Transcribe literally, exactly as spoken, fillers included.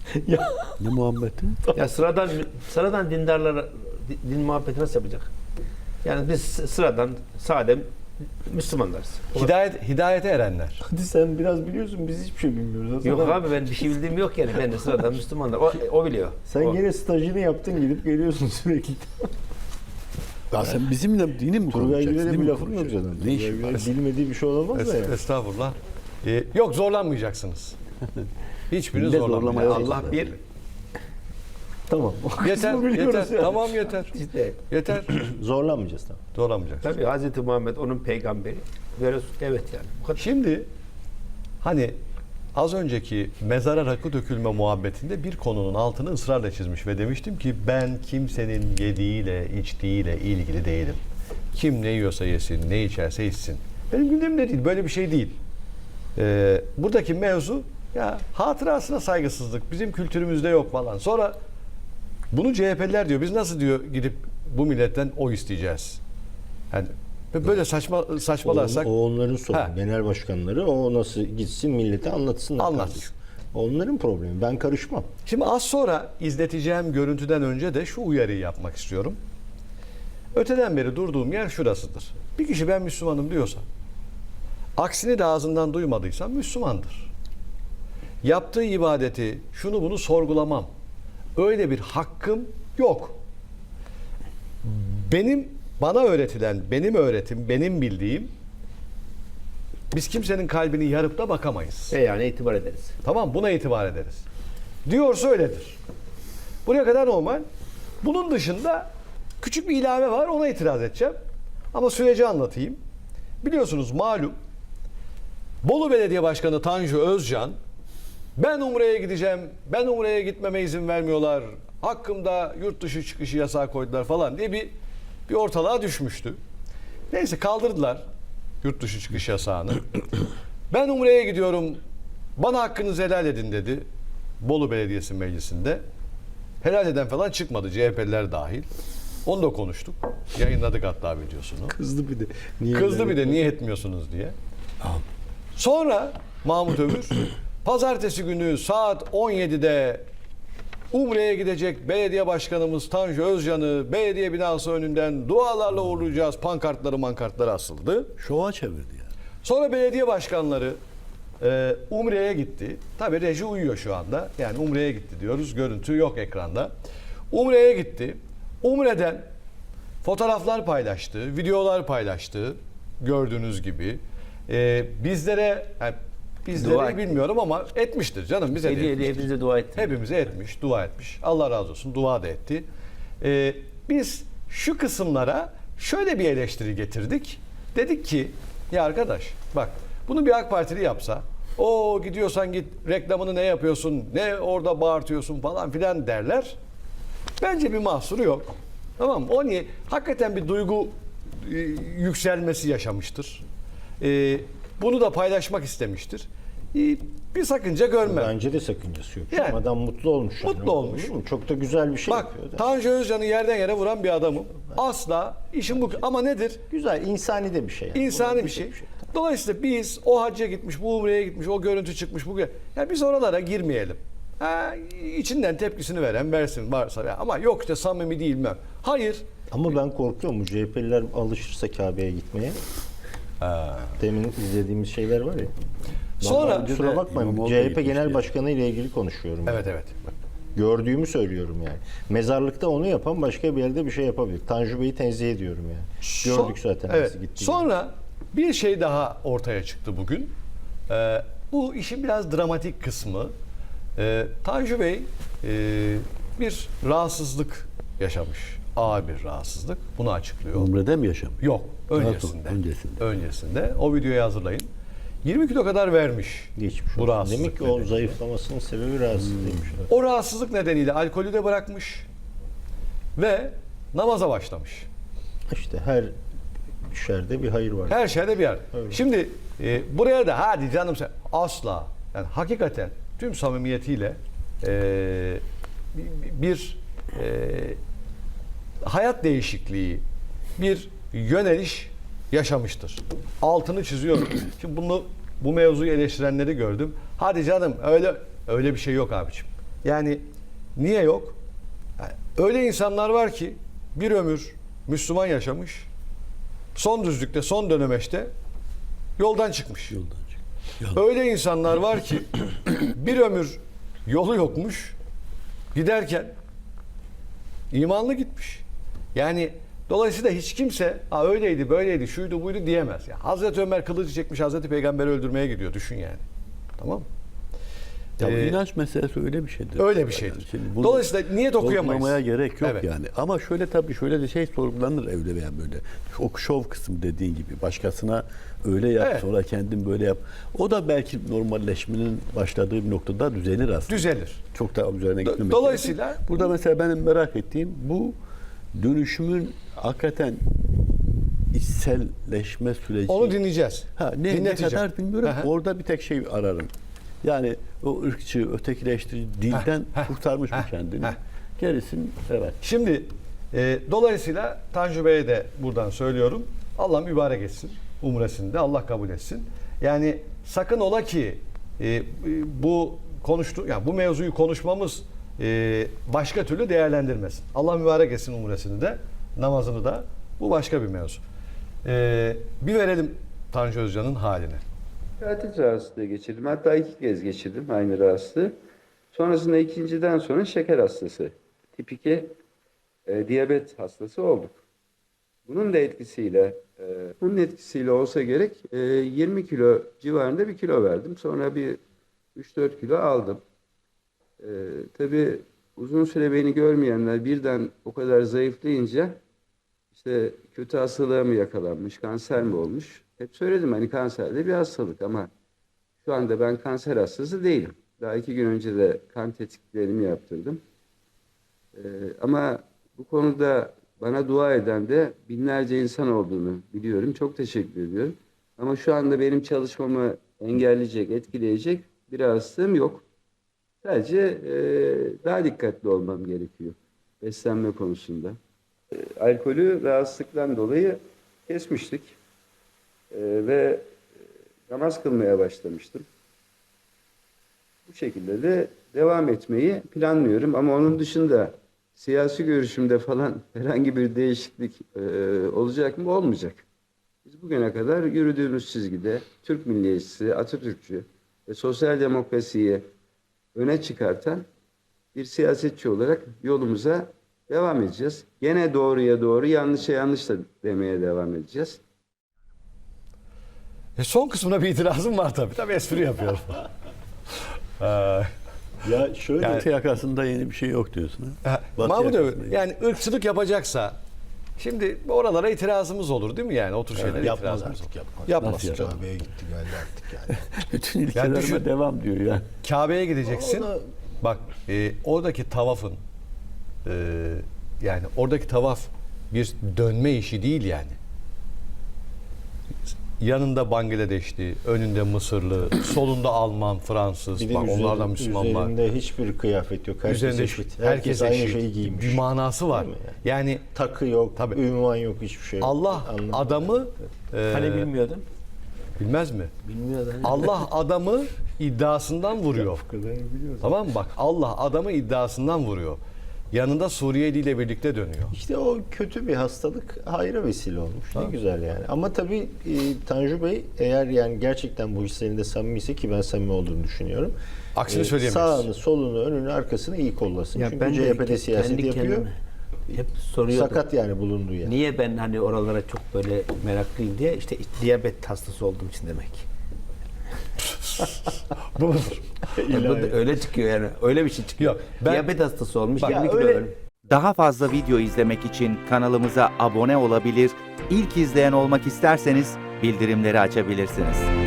Ya, Ne muhabbeti? Ya sıradan sıradan dindarlara din muhabbeti nasıl yapacak? Yani biz sıradan sade Müslümanlarız. Hidayet, hidayete erenler. hadi sen biraz biliyorsun, biz hiçbir şey bilmiyoruz. Hasan Yok abi. abi, ben bir şey bildiğim yok yani. Ben de sıradan Müslümanlar. O, o biliyor. Sen O. gene stajını yaptın, gidip geliyorsun sürekli. Ya sen bizimle dini mi Turgay konuşacaksın? Güler'e Dini bir mi lafın yok konuşacaksın? zaten. Ne Turgay işin Güler var? bilmediği bir şey olamaz da ya. Es- Estağfurullah. Ee, yok zorlanmayacaksınız. Hiçbirini Millet zorlanmayın. zorlamaya Allah bir Tamam. O kısmı Yeter, biliyoruz yeter. yani. Tamam yeter. işte Yeter. Zorlanmayacağız tamam. Zorlanmayacaksın. tabii Hazreti Muhammed onun peygamberi. Böyle evet yani. Bu kadar. Şimdi hani az önceki mezara rakı dökülme muhabbetinde bir konunun altını ısrarla çizmiş ve demiştim ki ben kimsenin yediğiyle içtiğiyle ilgili değilim. Kim ne yiyorsa yesin, ne içerse içsin. Benim gündemimde değil, böyle bir şey değil. Ee, buradaki mevzu ya hatırasına saygısızlık, bizim kültürümüzde yok falan. Sonra bunu C H P'liler diyor, biz nasıl diyor gidip bu milletten oy isteyeceğiz? Yani böyle saçma saçmalarsak O, o onların sorunu. Ha. Genel başkanları o nasıl gitsin millete anlatsınlar. Anlatsın. kardeşim. Onların problemi. Ben karışmam. Şimdi az sonra izleteceğim görüntüden önce de şu uyarıyı yapmak istiyorum. Öteden beri durduğum yer şurasıdır. Bir kişi ben Müslümanım diyorsa, aksini de ağzından duymadıysam Müslümandır. Yaptığı ibadeti, şunu bunu sorgulamam. Öyle bir hakkım yok. Benim, bana öğretilen, benim öğretim, benim bildiğim, biz kimsenin kalbini yarıp da bakamayız. E yani itibar ederiz. Tamam, buna itibar ederiz. Diyorsa öyledir. Buraya kadar normal. Bunun dışında küçük bir ilave var, ona itiraz edeceğim. Ama süreci anlatayım. Biliyorsunuz malum Bolu Belediye Başkanı Tanju Özcan, ben Umre'ye gideceğim, ben Umre'ye gitmeme izin vermiyorlar, hakkımda yurt dışı çıkışı yasağı koydular falan diye bir, bir ortalığa düşmüştü. Neyse kaldırdılar yurt dışı çıkış yasağını. Ben Umre'ye gidiyorum, bana hakkınızı helal edin dedi Bolu Belediyesi Meclisi'nde. Helal eden falan çıkmadı, C H P'liler dahil. Onu da konuştuk. Yayınladık hatta videosunu. Kızdı bir de. Niye Kızdı böyle? bir de niye etmiyorsunuz diye. Sonra Mahmut Övür pazartesi günü saat on yedide Umre'ye gidecek belediye başkanımız Tanju Özcan'ı belediye binası önünden dualarla uğurlayacağız. Pankartları mankartları asıldı. Şova çevirdi ya. Sonra belediye başkanları e, Umre'ye gitti. Tabii reji uyuyor şu anda. Yani Umre'ye gitti diyoruz. Görüntü yok ekranda. Umre'ye gitti. Umre'den fotoğraflar paylaştı, videolar paylaştı. Gördüğünüz gibi. E, bizlere, yani bizlere Dua etti. bilmiyorum ama etmiştir canım. Bize de Hediye etmiştir. hediye bize dua etti. Hepimize etmiş, dua etmiş. Allah razı olsun, dua da etti. Ee, biz şu kısımlara şöyle bir eleştiri getirdik. Dedik ki, ya arkadaş bak bunu bir AK Partili yapsa, o gidiyorsan git reklamını ne yapıyorsun, ne orada bağırtıyorsun falan filan derler. Bence bir mahsuru yok. Tamam mı? O niye? Hakikaten bir duygu e, yükselmesi yaşamıştır. E, bunu da paylaşmak istemiştir. E, bir sakınca görmem. Bence de sakıncası yok. Yani. Adam mutlu olmuş. yani. Mutlu olmuş. Değil mi? Çok da güzel bir şey Bak yapıyor. da. Tanju Özcan'ı yerden yere vuran bir adamım. Asla işim bu. Ama nedir? Güzel, insani de bir şey. Yani. İnsani Buna bir şey. diyecek Dolayısıyla biz o hacca gitmiş, bu umreye gitmiş, o görüntü çıkmış. Bu yani biz oralara girmeyelim. Ha, içinden tepkisini veren versin varsa. Ya, ama yok işte samimi değil mi? Hayır. Ama ben korkuyorum bu C H P'liler alışırsa Kabe'ye gitmeye. Demin izlediğimiz şeyler var ya. Sonra- Vallahi kusura bakmayın. İmamoğlu da C H P gitmişti Genel ya. Başkanı ile ilgili konuşuyorum. Evet evet. Gördüğümü söylüyorum yani. Mezarlıkta onu yapan başka bir yerde bir şey yapabilir. Tanju Bey'i tenzih ediyorum yani. Gördük Son- zaten Evet. nasıl gitti. Sonra bir şey daha ortaya çıktı bugün. Ee, bu işin biraz dramatik kısmı. Ee, Tanju Bey e, bir rahatsızlık yaşamış. Ağır bir rahatsızlık. Bunu açıklıyor. Umre'de mi yaşam? Yok. Öncesinde. Daha sonra, öncesinde. Öncesinde. O videoyu hazırlayın. yirmi kilo kadar vermiş. Geçmiş bu olsun. rahatsızlık Demek ki o nedeniyle. zayıflamasının sebebi rahatsızlığıymış. O rahatsızlık nedeniyle alkolü de bırakmış. Ve namaza başlamış. İşte her şerde bir hayır var. Her şeyde bir yer. Evet. Şimdi e, buraya da hadi canım sen asla yani hakikaten tüm samimiyetiyle e, bir, bir e, hayat değişikliği, bir yöneliş yaşamıştır. Altını çiziyorum. Şimdi bunu bu mevzuyu eleştirenleri gördüm. Hadi canım öyle öyle bir şey yok abiciğim. Yani niye yok? Yani öyle insanlar var ki bir ömür Müslüman yaşamış. Son düzlükte, son dönemeçte yoldan çıkmış. Yoldan çık. Yoldan. Öyle insanlar var ki bir ömür yolu yokmuş. Giderken imanlı gitmiş. Yani dolayısıyla hiç kimse ha öyleydi, böyleydi, şuydu, buydu diyemez. Yani Hazreti Ömer kılıcı çekmiş, Hazreti Peygamber'i öldürmeye gidiyor. Düşün yani. Tamam mı? Ya bu Ee, inanç meselesi öyle bir şeydir. öyle bir şeydir. şimdi bunu Dolayısıyla niyet okuyamayız. sorgulamaya gerek yok Evet. yani. Ama şöyle tabii şöyle de şey sorgulanır evde veya böyle. O şov kısmı dediğin gibi. Başkasına öyle yap Evet. sonra kendin böyle yap. O da belki normalleşmenin başladığı bir noktada düzelir aslında. Düzelir. Çok da üzerine Do- gitmemek dolayısıyla- gerekir. Burada mesela benim merak ettiğim bu dönüşümün hakikaten içselleşme süreci. Onu dinleyeceğiz. Ha, ne, ne Dinleteceğim. kadar bilmiyorum. Aha. Orada bir tek şey ararım. Yani o ırkçı, ötekileştirici dilden heh, kurtarmış mı heh, kendini? heh. Gerisin evet. Şimdi e, dolayısıyla Tanju Bey'e de buradan söylüyorum. Allah mübarek etsin. Umresini de Allah kabul etsin. Yani sakın ola ki e, bu konuştu, yani bu mevzuyu konuşmamız e, başka türlü değerlendirmesin. Allah mübarek etsin umresini de, namazını da. Bu başka bir mevzu. E, bir verelim Tanju Özcan'ın haline. Tiroid rahatsızlığı geçirdim. Hatta iki kez geçirdim aynı rahatsızlığı. Sonrasında ikinciden sonra şeker hastası. Tip iki e, diyabet hastası olduk. Bunun da etkisiyle, e, bunun etkisiyle olsa gerek e, yirmi kilo civarında bir kilo verdim. Sonra bir üç dört kilo aldım. E, tabii uzun süre beni görmeyenler birden o kadar zayıflayınca işte kötü hastalığa mı yakalanmış, kanser mi olmuş? Hep söyledim hani kanser de bir hastalık ama şu anda ben kanser hastası değilim. Daha iki gün önce de kan tetkiklerimi yaptırdım. Ee, ama bu konuda bana dua eden de binlerce insan olduğunu biliyorum. Çok teşekkür ediyorum. Ama şu anda benim çalışmamı engelleyecek, etkileyecek bir hastalığım yok. Sadece e, daha dikkatli olmam gerekiyor beslenme konusunda. E, alkolü rahatsızlıktan dolayı kesmiştik. Ee, ve namaz kılmaya başlamıştım. Bu şekilde de devam etmeyi planlıyorum ama onun dışında siyasi görüşümde falan herhangi bir değişiklik e, olacak mı? Olmayacak. Biz bugüne kadar yürüdüğümüz çizgide Türk milliyetçisi, Atatürkçü ve sosyal demokrasiyi öne çıkartan bir siyasetçi olarak yolumuza devam edeceğiz. Gene doğruya doğru, yanlışa yanlış da demeye devam edeceğiz. E son kısmına bir itirazım var tabii. Tabii espri yapıyorum. Ee, Ya şöyle Yani- Batı yakasında yeni bir şey yok diyorsun. Ha? Ha, Batı Mahmut yakasında abi, yani ırkçılık yapacaksa şimdi oralara itirazımız olur değil mi yani? O tür şeylere Yapmaz itirazımız artık olur. yapmaz. Yapmaz. Nasıl canım. Kahveye gitti geldi artık yani. bütün ilkelerime düşün- devam diyor yani. Kabe'ye gideceksin. O da- Bak e, oradaki tavafın e, yani oradaki tavaf bir dönme işi değil yani. Yanında Bangladeşli, önünde Mısırlı, solunda Alman, Fransız, Bir de bak üzeri- onlardan Müslüman var. üzerinde hiçbir kıyafet yok. Herkes Üzerinde eşit. herkes, Herkes aynı eşit. şeyi giymiş. Bir manası var. Değil mi Yani Takı yok, Tabii. ünvan yok, hiçbir şey yok. Allah Anlamadım. adamı e, Hani bilmiyordun? bilmez mi? Bilmiyordun. Allah adamı iddiasından vuruyor. Tamam mı? Bak Allah adamı iddiasından vuruyor. Yanında Suriyeli ile birlikte dönüyor. İşte o kötü bir hastalık hayra vesile olmuş. Ne güzel yani. Ama tabii e, Tanju Bey eğer yani gerçekten bu hislerinde samimiyse ki ben samimi olduğunu düşünüyorum. Aksini e, söyleyemeyiz. Sağını, solunu, önünü, arkasını iyi kollasın. Çünkü C H P'de siyaset kendi yapıyor. kendime hep soruyordum. Sakat yani bulunduğu yer. Niye ben hani oralara çok böyle meraklıyım diye işte diyabet hastası olduğum için demek. Bu mudur? Yani bu da öyle çıkıyor yani. Öyle bir şey çıkıyor. Yok, ben- Diyabet hastası olmuş. Bak, yirmi ya kilo öyle- ölmüş. Daha fazla video izlemek için kanalımıza abone olabilir, ilk izleyen olmak isterseniz bildirimleri açabilirsiniz.